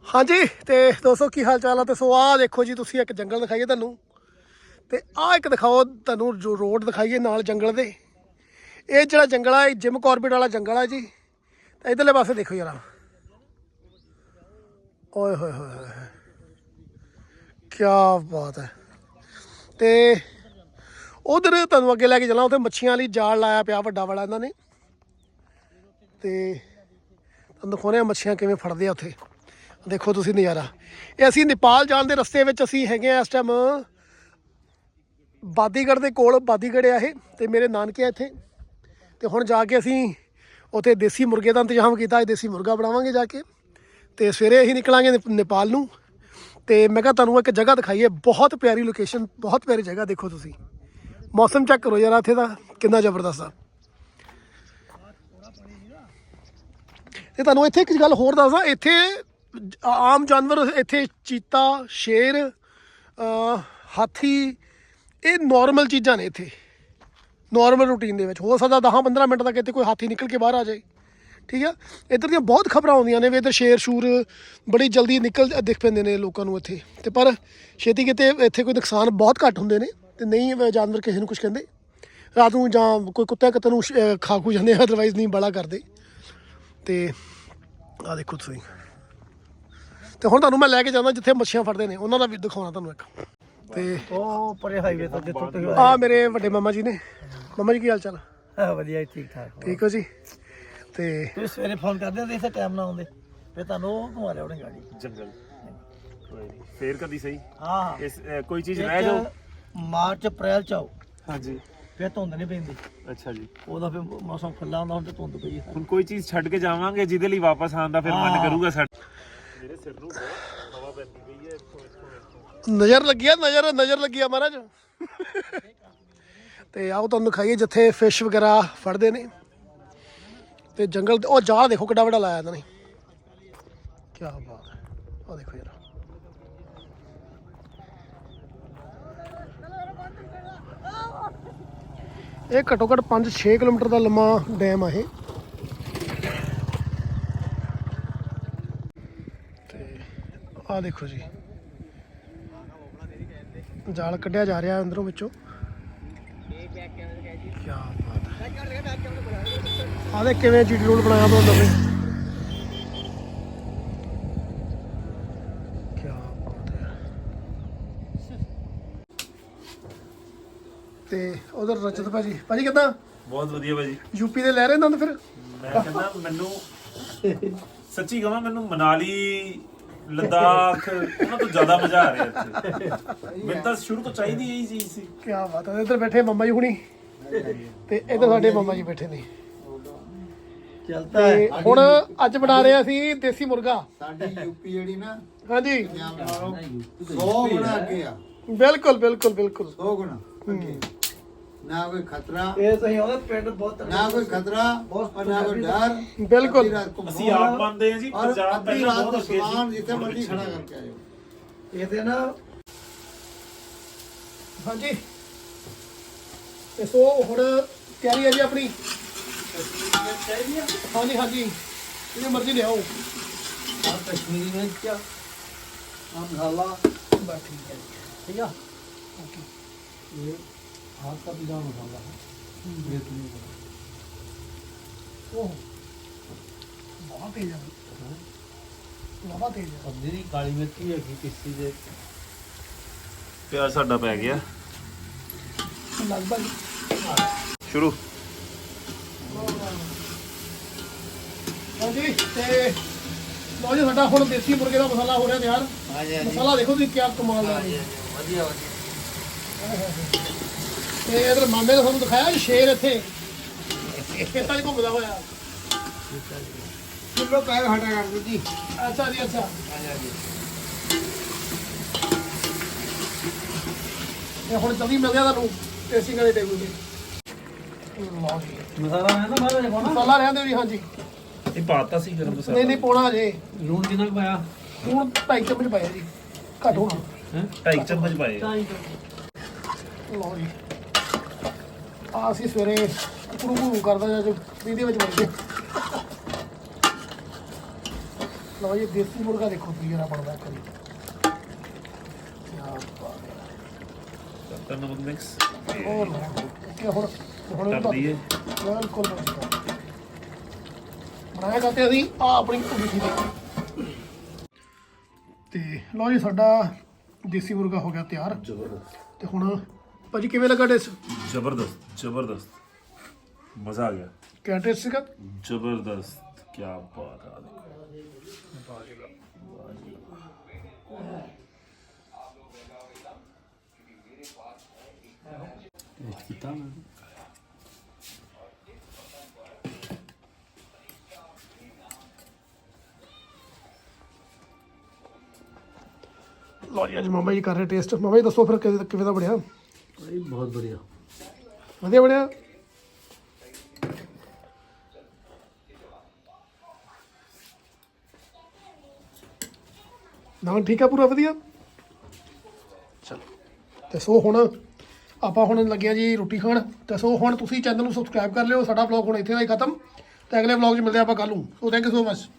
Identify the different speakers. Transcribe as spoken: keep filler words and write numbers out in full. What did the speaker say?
Speaker 1: हाँ जी तो दोस्तों की हाल चाल है। तो सो आ देखो जी, तुसी एक जंगल दिखाइए तैनूं, ते आ एक दिखाओ तैनूं जो रोड दिखाइए नाल जंगल दे। ये जिहड़ा जंगल है जिम कॉर्बेट वाला जंगल है जी। तो इधरले पासे देखो जरा, ओए होए होए होए, क्या बात है। तो उधर तुहानूं अगे लैके चलना, उत्थे मच्छियां वाली जाल लाया पिया वड्डा वाला इन्हां ने। ते तुहानूं दिखाउने मच्छियां किवें फड़दे आ उत्थे। देखो तुसी नज़ारा। ये असी नेपाल जाण दे रस्ते विच असी हैगे आ इस टाइम बादीगढ़ दे कोल। बादीगढ़ है ये, ते मेरे नानके आ इत्थे। ते हुण जाके असी उत्थे देसी मुर्गे का इंतजाम किया, देसी मुर्गा बनावांगे जाके। ते सवेरे असीं निकलांगे नेपाल नूं। ते मैं कहा तुहानूं एक जगह दिखाइए, बहुत प्यारी लोकेशन, बहुत प्यारी जगह। देखो तुसी मौसम चेक करो यार इत्थे दा कितना जबरदस्त आ। ते तुहानूं इत्थे एक गल होर दसदा, इत्थे आम जानवर इत्थे चीता, शेर, हाथी, ये नॉर्मल चीज़ां ने इत्थे। नॉर्मल रूटीन दे विच हो सकदा दस पंद्रह मिनट तक इत्थे कोई हाथी निकल के बाहर आ जाए, ठीक है। इधर दियां बहुत खबरां आउंदियां ने भी इधर शेर शूर बड़ी जल्दी निकल दिख पैंदे ने लोकां नूं इत्थे। ते पर छेती किते इत्थे कोई नुकसान बहुत घੱਟ हुंदे ने, ते नहीं जानवर किसी नूं कुछ कहंदे। रात नूं जां कोई कुत्ते कत्ते नूं खा खू जांदे, अदरवाइज नहीं बड़ा करदे। ते आ देखो तुसीं। तो हुण तुहानूं मैं लैके जांदा जिथे मच्छियां फड़दे ने, उन्हां दा भी दिखाउणा तुहानूं एक। ते
Speaker 2: ਉਹ ਪਰੇ ਹਾਈਵੇ ਤੋਂ ਜਿੱਥੋਂ ਤੁਸੀਂ
Speaker 1: आ मेरे वड्डे मामा जी ने। मामा जी की हाल चाल?
Speaker 2: ਆਏ ਵਧੀਆ ਠੀਕ ਠਾਕ।
Speaker 1: ठीक हो जी। ते
Speaker 2: ਤੁਸੀਂ ਸਵੇਰੇ ਫੋਨ ਕਰਦੇ ਹੁੰਦੇ ਇਸੇ ਟਾਈਮ ਨਾਲ ਆਉਂਦੇ, ਫਿਰ ਤੁਹਾਨੂੰ ਉਹ ਘੁਮਾ ਲਿਆ ਉਹਨੇ ਗਾੜੀ
Speaker 3: ਜੰਗਲ। ਕੋਈ ਨਹੀਂ ਫੇਰ ਕਦੀ ਸਹੀ।
Speaker 2: ਹਾਂ
Speaker 3: ਇਸ ਅ, ਕੋਈ ਚੀਜ਼ ਰਹਿ ਜਾਓ।
Speaker 2: ਮਾਰਚ ਅਪ੍ਰੈਲ ਚ ਆਓ,
Speaker 3: ਹਾਂਜੀ
Speaker 2: ਫਿਰ ਧੁੰਦ ਨਹੀਂ ਪੈਂਦੀ।
Speaker 3: ਅੱਛਾ ਜੀ।
Speaker 2: ਉਹਦਾ ਫਿਰ ਮੌਸਮ ਖੁੱਲਾ ਹੁੰਦਾ, ਹੁਣ ਤੇ ਧੁੰਦ ਪਈ ਹੈ।
Speaker 3: ਹੁਣ ਕੋਈ ਚੀਜ਼ ਛੱਡ ਕੇ ਜਾਵਾਂਗੇ ਜਿਹਦੇ ਲਈ ਵਾਪਸ ਆਉਣ ਦਾ ਫਿਰ ਮਨ ਕਰੂਗਾ ਸਾਡਾ। ਮੇਰੇ ਸਿਰ ਨੂੰ ਬਹੁਤ ਹਵਾ ਪੈਂਦੀ ਪਈ ਹੈ ਇੱਥੋਂ ਇੱਥੋਂ ਇੱਥੋਂ।
Speaker 1: नज़र लगी है, नज़र नज़र लगी है महाराज। तो आओ तुहानूं दिखाइए जिथे फिश वगैरह फड़ते ने। तो जंगल ओ जाल देखो किड्डा वड्डा लाया इन्होंने, क्या बात है। ओ देखो यार, ये घट्टो घट्ट पाँच छे किलोमीटर का लम्मा डैम है। आ देखो जी, जाल कढ़िया जा रहा है अंदरों विचों। क्या बात है। आ देख किवें जी डी रोड बनाया तो नवें। क्या बात है। ते उधर रजत भाजी, भाजी कितना
Speaker 3: ਬਹੁਤ ਵਧੀਆ ਭਾਜੀ।
Speaker 1: यूपी ਦੇ ਲੈ ਰਹੇ ਨੰਦ ਫਿਰ?
Speaker 3: ਮੈਂ ਕਹਿੰਦਾ ਮੈਨੂੰ ਸੱਚੀ ਕਹਾਂ ਮੈਨੂੰ ਮਨਾਲੀ लद्दाख ਉਹਨਾਂ ਤੋਂ ਜ਼ਿਆਦਾ ਮਜ਼ਾ ਆ ਰਿਹਾ ਇੱਥੇ। ਮੈਨੂੰ ਤਾਂ ਸ਼ੁਰੂ ਤੋਂ ਚਾਹੀਦੀ ਇਹੀ ਚੀਜ਼ ਸੀ।
Speaker 1: ਕੀ ਬਾਤ ਹੈ। ਇੱਧਰ ਬੈਠੇ ਮਾਮਾ ਜੀ ਹੁਣੀ, ਤੇ ਇੱਧਰ ਸਾਡੇ ਮਾਮਾ ਜੀ ਬੈਠੇ ਨੇ।
Speaker 2: ਚੱਲਦਾ ਹੈ।
Speaker 1: ਤੇ ਹੁਣ ਅੱਜ ਬਣਾ ਰਹੇ ਅਸੀਂ ਦੇਸੀ ਮੁਰਗਾ।
Speaker 4: ਸਾਡੀ ਯੂਪੀ ਜਿਹੜੀ ਨਾ
Speaker 1: ਹਾਂਜੀ
Speaker 4: ਸੌ ਗੁਣਾ ਅੱਗੇ ਆ,
Speaker 1: ਬਿਲਕੁਲ ਬਿਲकुल ਬਿਲकुल।
Speaker 4: ਸੌ ਗੁਣਾ ਅੱਗੇ। ਨਾ ਕੋਈ ਖਤਰਾ,
Speaker 2: ਇਹ ਤੁਸੀਂ ਉਹਦਾ ਪਿੰਡ ਬਹੁਤ
Speaker 4: ਨਾ ਕੋਈ ਖਤਰਾ ਔਰ ਨਾ ਕੋਈ ਡਰ।
Speaker 1: ਬਿਲਕੁਲ।
Speaker 4: ਅੱਧੀ ਰਾਤ ਘੁੰਮੋ
Speaker 3: ਅਸੀਂ ਆਪ ਮੰਨਦੇ ਹਾਂ ਜੀ
Speaker 4: ਔਰ
Speaker 3: ਪੰਜਾਬ
Speaker 4: ਅੱਧੀ
Speaker 3: ਪਹਿਲਾਂ
Speaker 4: ਰਾਤ
Speaker 3: ਬਹੁਤ
Speaker 4: ਦਾ
Speaker 3: ਅੱਗੇ
Speaker 4: ਸਮਾਨ
Speaker 3: ਸੀ।
Speaker 4: ਜਿੱਥੇ ਮਰਜ਼ੀ ਖੜਾ ਕਰਕੇ ਆਇਓ।
Speaker 2: ਇਹਦੇ ਨਾ
Speaker 1: ਹਾਂਜੀ ਤੇ ਸੋ ਹੁਣ ਤਿਆਰੀ ਹੈ ਜੀ ਆਪਣੀ। ਹਾਂਜੀ ਹਾਂਜੀ ਜਿੰਨੀ ਮਰਜ਼ੀ ਲਿਆਓ।
Speaker 2: ਆ ਕਸ਼ਮੀਰੀ ਮਿਰਚ ਆ ਮਸਾਲਾ
Speaker 1: ਬਸ ਠੀਕ ਹੈ ਜੀ।
Speaker 2: ਠੀਕ ਆ। ਇਹ हाथ का बीजा मसाला है, ये तो नहीं पता।
Speaker 1: ओह बहुत तेज है, बहुत तेज है।
Speaker 2: अब जी काली मिर्च ही है किसी दे
Speaker 3: ਪਿਆਰ ਸਾਡਾ ਪੈ ਗਿਆ
Speaker 1: लगभग
Speaker 3: ਸ਼ੁਰੂ।
Speaker 1: ਹਾਂਜੀ ਤੇ ਲੋ ਜੀ ਸਾਡਾ ਹੁਣ ਦੇਸੀ ਮੁਰਗੇ ਦਾ ਮਸਾਲਾ ਹੋ ਰਿਹਾ ਤਿਆਰ। ਮਸਾਲਾ ਦੇਖੋ ਤੁਸੀਂ ਕੀ ਕਮਾਲ ਦਾ ਹੈ।
Speaker 2: ਵਧੀਆ ਵਧੀਆ।
Speaker 1: ਤੇ ਇਧਰ ਮਾਮੇ ਨੇ ਤੁਹਾਨੂੰ ਦਿਖਾਇਆ ਜੀ ਸ਼ੇਰ ਇੱਥੇ ਖੇਤਾਂ 'ਚ ਘੁੰਮਦਾ ਹੋਇਆ।
Speaker 4: ਕਿਲੋ ਪੈਰ ਹਟਾ ਕਰ ਦਿਓ ਜੀ।
Speaker 1: ਅੱਛਾ ਜੀ ਅੱਛਾ। ਇਹ ਹੁਣ ਜਲਦੀ ਮਿਲ ਗਿਆ ਤੁਹਾਨੂੰ ਟੇਸਟਿੰਗ ਵਾਲੇ ਟੇਬਲ ਤੇ। ਲਓ ਜੀ
Speaker 2: ਮਸਾਲਾ ਹੈ ਨਾ ਬਾਹਰ ਜੇ ਪਾਉਣਾ।
Speaker 1: ਮਸਾਲਾ ਰਹਿੰਦੇ ਜੀ। ਹਾਂਜੀ
Speaker 3: ਇਹ ਪਾਤਾ ਸੀ ਗਰਮ ਮਸਾਲਾ।
Speaker 1: ਨਹੀਂ ਨਹੀਂ ਪਾਉਣਾ ਜੇ।
Speaker 2: ਲੂਣ ਕਿੰਨਾ ਕੁ ਪਾਇਆ?
Speaker 1: ਹੁਣ ਢਾਈ ਚਮਚ ਪਾਇਆ ਜੀ, ਘੱਟ ਹੋਣਾ।
Speaker 2: ਹੈ
Speaker 3: ਢਾਈ ਚਮਚ ਪਾਏ।
Speaker 1: ਲਓ ਜੀ ਆ ਅਸੀਂ ਸਵੇਰੇ ਕੁਕੜੂ ਘੂ ਕਰਦਾ ਜਾਂ ਜੋ ਇਹਦੇ ਵਿੱਚ ਵੜ ਕੇ ਲਓ ਜੀ ਦੇਸੀ ਮੁਰਗਾ ਦੇਖੋ ਕੀ ਜਰਾ ਬਣਦਾ ਕਰੀ ਕੀ ਬਾਤ ਹੈ
Speaker 3: ਕਰਤਾ ਨਮਕ ਮਿਕਸ
Speaker 1: ਹੋਰ ਕਿ ਹੁਣ ਹੁਣ
Speaker 3: ਕਰ ਦਈਏ
Speaker 1: ਬਿਲਕੁਲ ਬਣਾਇਆ ਕਰਦੇ ਅਸੀਂ ਆ ਆਪਣੀ ਮਿੱਠੀ ਦੇ ਤੇ ਲਓ ਜੀ ਸਾਡਾ ਦੇਸੀ ਮੁਰਗਾ ਹੋ ਗਿਆ ਤਿਆਰ
Speaker 3: ਜ਼ਬਰਦਸਤ
Speaker 1: ਤੇ ਹੁਣ ਭਾਜੀ ਕਿਵੇਂ ਲੱਗਾ ਟੇਸਟ
Speaker 3: ਜ਼ਬਰਦਸਤ ਜ਼ਬਰਦਸਤ ਮਜ਼ਾ ਆ ਗਿਆ
Speaker 1: ਕਿਆ ਟੇਸਟ ਸੀਗਾ
Speaker 3: ਜ਼ਬਰਦਸਤ ਕੀ ਬਾਤ ਆ
Speaker 2: ਕੀਤਾ ਮੈਂ
Speaker 1: ਲਓ ਜੀ ਅੱਜ ਮਾਮਾ ਜੀ ਕਰ ਰਹੇ ਟੇਸਟ ਮਾਮਾ ਜੀ ਦੱਸੋ ਫਿਰ ਕਿਵੇਂ ਕਿਵੇਂ ਦਾ ਬਣਿਆ
Speaker 2: ਭਾਈ ਬਹੁਤ ਵਧੀਆ
Speaker 1: ਵਧੀਆ ਬਣਿਆ ਨਾ ਠੀਕ ਆ ਪੂਰਾ ਵਧੀਆ ਚਲੋ ਤੇ ਸੋ ਹੁਣ ਆਪਾਂ ਹੁਣ ਲੱਗੇ ਆ ਜੀ ਰੋਟੀ ਖਾਣ ਤੇ ਸੋ ਹੁਣ ਤੁਸੀਂ ਚੈਨਲ ਨੂੰ ਸਬਸਕ੍ਰਾਈਬ ਕਰ ਲਿਓ ਸਾਡਾ ਵਲੌਗ ਹੁਣ ਇੱਥੇ ਦਾ ਹੀ ਖਤਮ ਤੇ ਅਗਲੇ ਵਲੌਗ 'ਚ ਮਿਲਦੇ ਆਪਾਂ ਕੱਲ੍ਹ ਨੂੰ so thank you so much